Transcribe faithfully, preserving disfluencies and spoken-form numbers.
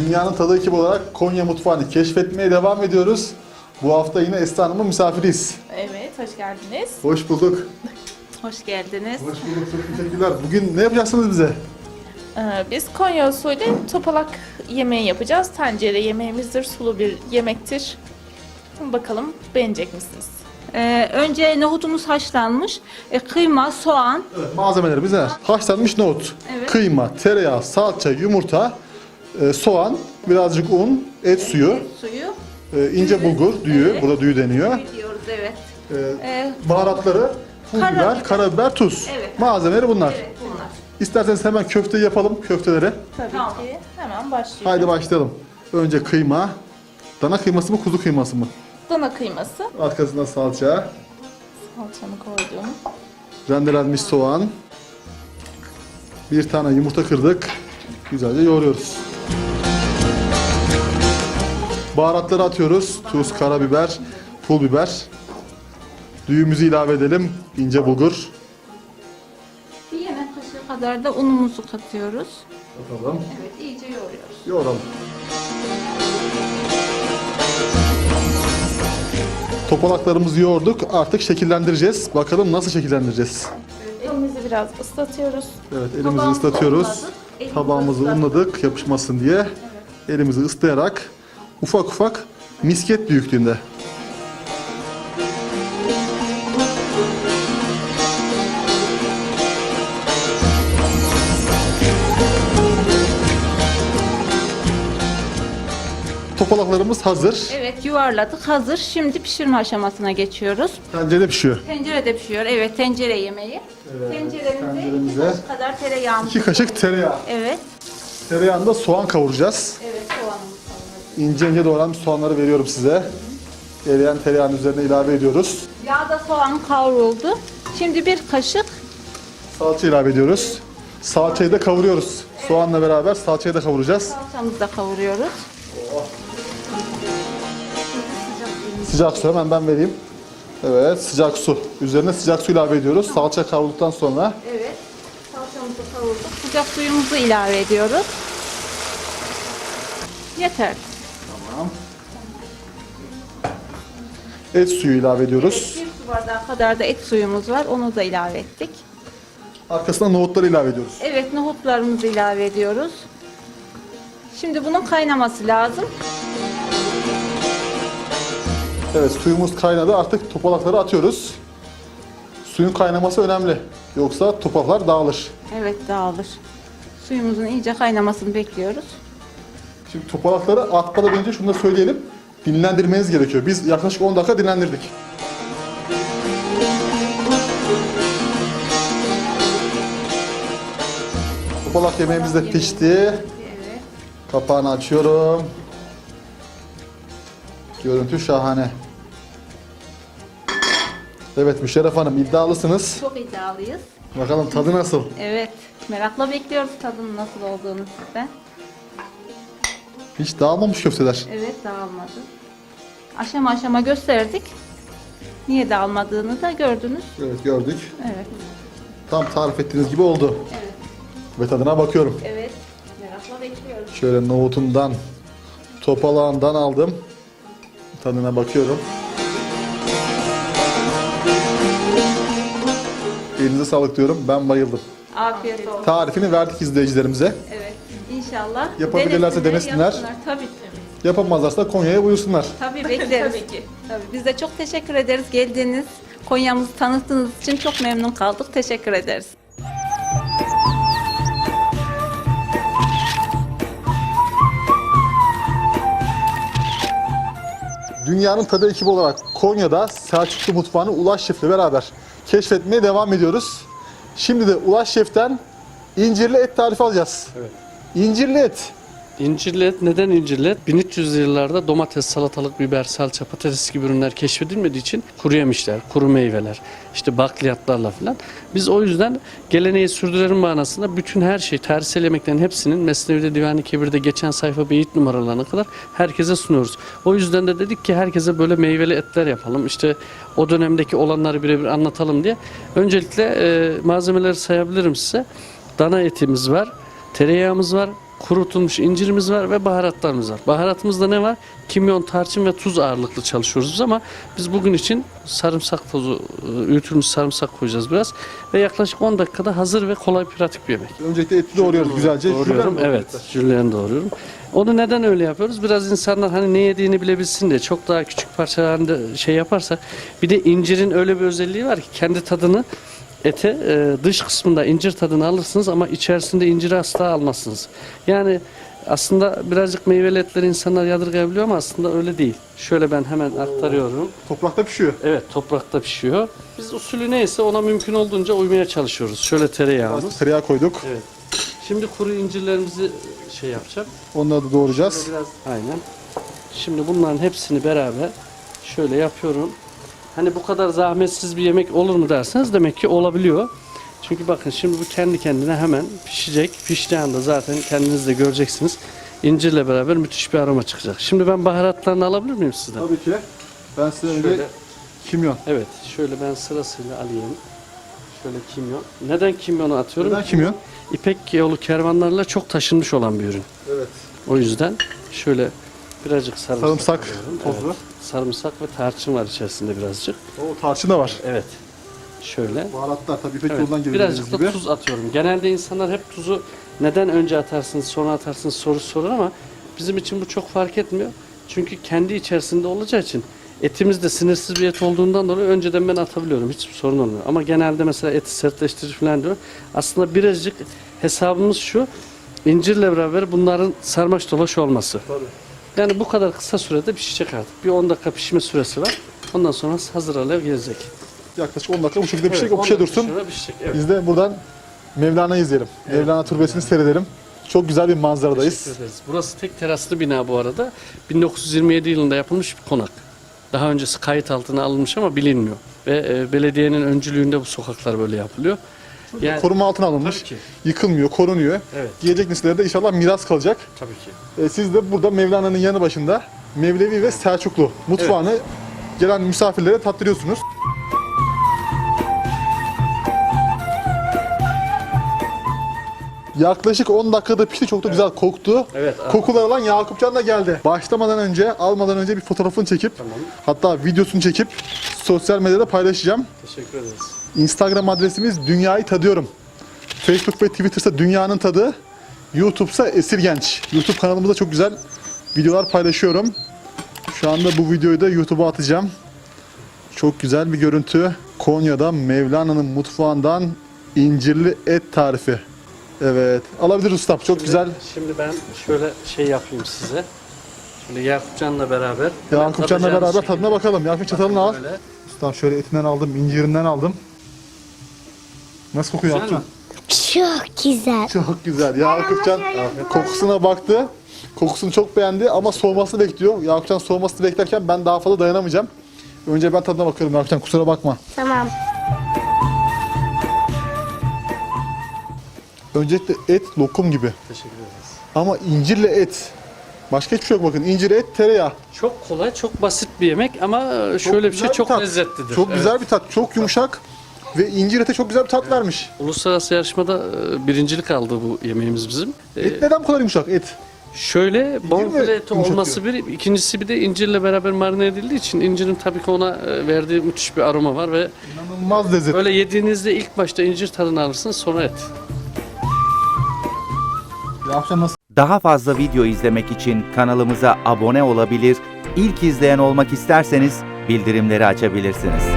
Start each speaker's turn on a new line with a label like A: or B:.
A: Dünyanın tadı ekibi olarak Konya mutfağını keşfetmeye devam ediyoruz. Bu hafta yine Esra Hanım'ın misafiriyiz.
B: Evet, hoş geldiniz.
A: Hoş bulduk.
B: Hoş geldiniz.
A: Hoş bulduk, çok teşekkürler. Bugün ne yapacaksınız bize?
B: Ee, biz Konya usulü topalak yemeği yapacağız. Tencere yemeğimizdir, sulu bir yemektir. Bakalım beğenecek misiniz?
C: Ee, önce nohutumuz haşlanmış, e, kıyma, soğan,
A: Evet, malzemelerimiz neler? Haşlanmış nohut,
C: Evet.
A: kıyma, tereyağı, salça, yumurta, e, soğan, birazcık un, et suyu,
C: suyu,
A: e, ince
C: düğü.
A: bulgur, düğü,
C: Evet.
A: burada düğü deniyor.
C: Suyu diyoruz, evet.
A: E,
C: Ee,
A: baharatları, pul biber,
C: Karabiber.
A: karabiber, tuz.
C: Evet.
A: Malzemeleri bunlar.
C: Evet, bunlar.
A: İsterseniz hemen köfteyi yapalım, köfteleri.
B: Tabii
C: Tamam.
B: ki. Hemen başlıyoruz.
A: Haydi başlayalım. Önce kıyma. Dana kıyması mı, kuzu kıyması mı?
B: Dana kıyması.
A: Arkasından salça,
B: Salçamı koydum.
A: rendelenmiş soğan. Bir tane yumurta kırdık. Güzelce yoğuruyoruz. Baharatları atıyoruz. Tuz, karabiber, pul biber. Düğümüzü ilave edelim. İnce bulgur.
C: Bir yemek kaşığı kadar da unumuzu katıyoruz.
A: Bakalım.
C: Evet, iyice yoğuruyoruz.
A: Yoğuralım. Topalaklarımızı yoğurduk. Artık şekillendireceğiz. Bakalım nasıl şekillendireceğiz.
B: Elimizi biraz ıslatıyoruz.
A: Evet, elimizi
C: Tabağımızı
A: ıslatıyoruz.
C: unladık, elimizi
A: Tabağımızı
C: ıslattık.
A: unladık yapışmasın diye. Elimizi ıslayarak ufak ufak misket büyüklüğünde. Topalaklarımız hazır.
C: Evet, yuvarladık, hazır. Şimdi pişirme aşamasına geçiyoruz.
A: Tencerede pişiyor.
C: Tencerede pişiyor, evet, tencere yemeği. Tenceremize
A: tenceremize
C: iki kaşık kadar tereyağımız.
A: iki kaşık tereyağı.
C: Evet,
A: Tereyağında soğan kavuracağız.
C: evet, soğanımız kavruldu.
A: İnce ince doğranmış soğanları veriyorum size. Eriyen tereyağın üzerine ilave ediyoruz.
C: Yağda soğan kavruldu. Şimdi bir kaşık
A: Salça ilave ediyoruz. Salçayı da kavuruyoruz. Soğanla beraber salçayı da kavuracağız.
C: salçamızı da kavuruyoruz.
A: Sıcak su hemen ben vereyim. Evet, sıcak su. Üzerine sıcak su ilave ediyoruz. Salça kavrulduktan sonra
C: Evet, salçamızı kavurduk. Sıcak suyumuzu ilave ediyoruz. Yeter.
A: tamam. Et suyu ilave ediyoruz.
C: Evet, bir su bardağı kadar da et suyumuz var. Onu da ilave ettik.
A: Arkasına nohutları ilave ediyoruz.
C: Evet, nohutlarımızı ilave ediyoruz. Şimdi bunun kaynaması lazım.
A: Evet, suyumuz kaynadı. Artık topalakları atıyoruz. Suyun kaynaması önemli. Yoksa topalaklar dağılır.
C: Evet, dağılır. Suyumuzun iyice kaynamasını bekliyoruz.
A: Şimdi topalakları atmadan önce şunu da söyleyelim. Dinlendirmeniz gerekiyor. Biz yaklaşık on dakika dinlendirdik. Topalak yemeğimiz de pişti.
C: Evet.
A: Kapağını açıyorum. Görüntü şahane. Evet Müşerref Hanım, iddialısınız.
C: Çok iddialıyız.
A: Bakalım tadı nasıl?
C: Evet, merakla bekliyoruz tadının nasıl olduğunu sizden.
A: Hiç dağılmamış köfteler.
C: Evet, dağılmadı. Aşama aşama gösterdik. Niye dağılmadığını da gördünüz.
A: Evet gördük.
C: Evet.
A: Tam tarif ettiğiniz gibi oldu.
C: Evet.
A: Ve tadına bakıyorum.
C: Evet. Merakla bekliyoruz.
A: Şöyle nohutumdan, topalağından aldım. Tadına bakıyorum. Elinize sağlık diyorum. Ben bayıldım.
C: Afiyet olsun.
A: Tarifini verdik izleyicilerimize.
C: Evet. İnşallah.
A: Yapabilirlerse denesinler.
C: yapsınlar. Tabii.
A: Yapamazlarsa da Konya'ya buyursunlar.
C: Tabii bekleriz.
B: Tabii ki.
C: Tabii. Biz de çok teşekkür ederiz geldiğiniz, Konya'mızı tanıttığınız için çok memnun kaldık. Teşekkür ederiz.
A: Dünyanın tadı ekibi olarak Konya'da Selçuklu mutfağını Ulaş Şef'le beraber keşfetmeye devam ediyoruz. Şimdi de Ulaş Şef'ten incirli et tarifi alacağız.
D: Evet.
A: İncirli et.
D: İncirli et, neden incirli et? bin üç yüzlü yıllarda domates, salatalık, biber, salça, patates gibi ürünler keşfedilmediği için kuru yemişler, kuru meyveler, işte bakliyatlarla falan. Biz o yüzden geleneği sürdürelim manasında bütün her şey, tarihsel yemeklerin hepsinin Mesnevi'de, Divan-ı Kebir'de geçen sayfa beyit numaralarına kadar herkese sunuyoruz. O yüzden de dedik ki herkese böyle meyveli etler yapalım. İşte o dönemdeki olanları birebir anlatalım diye. Öncelikle e, malzemeleri sayabilirim size. Dana etimiz var, tereyağımız var, kurutulmuş incirimiz var ve baharatlarımız var. Baharatımızda ne var? Kimyon, tarçın ve tuz ağırlıklı çalışıyoruz biz ama biz bugün için sarımsak tozu, öğütülmüş sarımsak koyacağız biraz ve yaklaşık on dakikada hazır ve kolay pratik bir yemek.
A: Öncelikle eti doğruyoruz güzelce.
D: Doğruyorum.
A: Jülyen mi
D: Evet, jülyen doğruyorum. Onu neden öyle yapıyoruz? Biraz insanlar hani ne yediğini bilebilsin diye çok daha küçük parçalarında şey yaparsak. Bir de incirin öyle bir özelliği var ki kendi tadını ete e, dış kısmında incir tadını alırsınız ama içerisinde inciri asla almazsınız. Yani aslında birazcık meyveli etleri insanlar yadırgayabiliyor ama aslında öyle değil. Şöyle ben hemen aktarıyorum.
A: Toprakta pişiyor.
D: Evet, toprakta pişiyor. Biz usulü neyse ona mümkün olduğunca uymaya çalışıyoruz. Şöyle tereyağımız.
A: Tereyağı koyduk.
D: Evet. Şimdi kuru incirlerimizi şey yapacağım.
A: Onları da doğrayacağız.
D: Şöyle biraz aynen. Şimdi bunların hepsini beraber şöyle yapıyorum. Hani bu kadar zahmetsiz bir yemek olur mu derseniz demek ki olabiliyor. Çünkü bakın şimdi bu kendi kendine hemen pişecek. Piştiği anda zaten kendiniz de göreceksiniz. İncirle beraber müthiş bir aroma çıkacak. Şimdi ben baharatlarını alabilir miyim sizden?
A: Tabii ki. Ben size önce
D: Şöyle,
A: kimyon.
D: evet, şöyle ben sırasıyla alayım. Şöyle kimyon. Neden kimyonu atıyorum?
A: Neden kimyon?
D: İpek yolu kervanlarıyla çok taşınmış olan bir ürün.
A: Evet.
D: O yüzden şöyle birazcık sarımsak,
A: Sarımsak
D: alıyorum.
A: tozu.
D: Evet, sarımsak ve tarçın var içerisinde birazcık.
A: O tarçın da var.
D: Evet. Şöyle.
A: Baharatlar tabii İpek
D: Evet,
A: yolundan geliyor
D: birazcık
A: dediğiniz
D: da
A: gibi.
D: tuz atıyorum. Genelde insanlar hep tuzu neden önce atarsınız sonra atarsınız sorusu sorar ama bizim için bu çok fark etmiyor. Çünkü kendi içerisinde olacağı için etimiz de sinirsiz bir et olduğundan dolayı önceden ben atabiliyorum. Hiçbir sorun olmuyor. Ama genelde mesela eti sertleştirir falan diyor. Aslında birazcık hesabımız şu. İncirle beraber bunların sarmaş dolaş olması.
A: Tabii.
D: Yani bu kadar kısa sürede pişecek artık. Bir on dakika pişme süresi var. Ondan sonra hazır hale gelecek.
A: Yaklaşık on dakika bu şekilde pişecek.
D: Evet,
A: O pişe
D: on dakika
A: dursun.
D: sonra pişecek, evet.
A: Biz de buradan Mevlana'yı izleyelim. Mevlana Türbesi'ni seyredelim. Çok güzel bir manzaradayız.
D: Teşekkür ederiz. Burası tek teraslı bina bu arada. bin dokuz yüz yirmi yedi yılında yapılmış bir konak. Daha öncesi kayıt altına alınmış ama bilinmiyor. Ve e, belediyenin öncülüğünde bu sokaklar böyle yapılıyor. Yani,
A: Koruma altına alınmış.
D: tabii ki.
A: Yıkılmıyor, korunuyor.
D: Evet.
A: Gelecek nesillere de inşallah miras kalacak.
D: Tabii ki.
A: E, siz de burada Mevlana'nın yanı başında Mevlevi ve Selçuklu mutfağını gelen misafirlere tattırıyorsunuz. Yaklaşık on dakikada pişti. Çok da güzel koktu.
D: Evet,
A: Kokular alan Yakupcan da geldi. Başlamadan önce, almadan önce bir fotoğrafını çekip,
D: Tamam.
A: hatta videosunu çekip sosyal medyada paylaşacağım.
D: Teşekkür ederiz.
A: Instagram adresimiz Dünyayı Tadıyorum. Facebook ve Twitter'sa Dünyanın Tadı. YouTube'sa Esir Genç. YouTube kanalımızda çok güzel videolar paylaşıyorum. Şu anda bu videoyu da YouTube'a atacağım. Çok güzel bir görüntü. Konya'da Mevlana'nın mutfağından incirli et tarifi. Evet. Alabilir ustam. Çok güzel.
D: Şimdi ben şöyle şey yapayım size. Şöyle Yakupcan'la beraber.
A: Yakupcan'la
D: tadacağınız
A: beraber
D: şekilde.
A: tadına bakalım. Yakup çatalını al.
D: Böyle.
A: Ustam şöyle etinden aldım, incirinden aldım. Nasıl kokuyor
D: Güzel mi?
A: Yakupcan?
E: Çok güzel.
A: Çok güzel. Yakupcan kokusuna baktı. Kokusunu çok beğendi ama soğumasını bekliyor. Yakupcan soğumasını beklerken ben daha fazla dayanamayacağım. Önce ben tadına bakıyorum Yakupcan, kusura bakma.
E: Tamam.
A: Öncelikle et lokum gibi.
D: Teşekkür ederiz.
A: Ama incirle et. Başka hiçbir şey yok bakın. İncir, et, tereyağı.
D: Çok kolay, çok basit bir yemek ama şöyle bir
A: güzel
D: şey çok
A: tat.
D: lezzetlidir.
A: Çok
D: Evet.
A: güzel bir tat. Çok yumuşak. Ve incir ete çok güzel bir tat vermiş.
D: Uluslararası yarışmada e, birincilik aldı bu yemeğimiz bizim. E,
A: Et neden bu kadar yumuşak? Et.
D: Şöyle bonfile eti
A: yumuşatıyor?
D: olması bir, ikincisi bir de incirle beraber marine edildiği için incirin tabii ki ona e, verdiği müthiş bir aroma var ve
A: İnanılmaz lezzet.
D: böyle yediğinizde ilk başta incir tadını alırsınız sonra et.
A: Yakupcan nasıl?
F: Daha fazla video izlemek için kanalımıza abone olabilir, ilk izleyen olmak isterseniz bildirimleri açabilirsiniz.